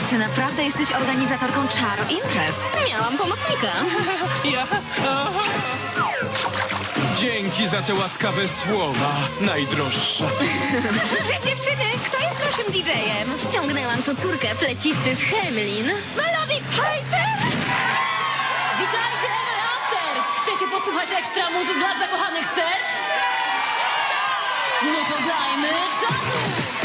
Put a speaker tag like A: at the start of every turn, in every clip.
A: ty naprawdę jesteś organizatorką czaru imprez.
B: Miałam pomocnika.
C: Ja? Aha. Dzięki za te łaskawe słowa, najdroższa.
A: Cześć dziewczyny, kto jest naszym DJ-em?
B: Ściągnęłam tu córkę flecisty z Hemlin.
A: Melody Piper!
D: Witajcie, Ever After! Chcecie posłuchać ekstra muzyk dla zakochanych serc? No to dajmy czadu!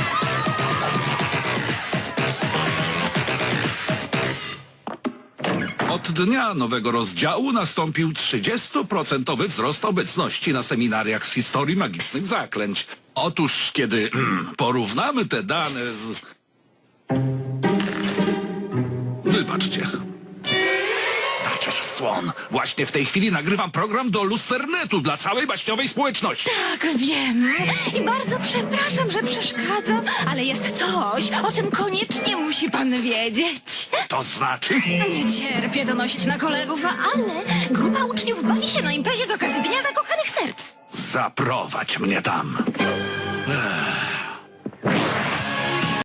E: Od dnia nowego rozdziału nastąpił 30% wzrost obecności na seminariach z historii magicznych zaklęć. Otóż, kiedy porównamy te dane z... Wybaczcie. Daczeż słon. Właśnie w tej chwili nagrywam program do Lusternetu dla całej baśniowej społeczności.
A: Tak, wiem. I bardzo przepraszam, że przeszkadzam, ale jest coś, o czym koniecznie musi pan wiedzieć.
E: To znaczy...
A: Nie cierpię donosić na kolegów, ale grupa uczniów bawi się na imprezie z okazji Dnia Zakochanych Serc.
E: Zaprowadź mnie tam.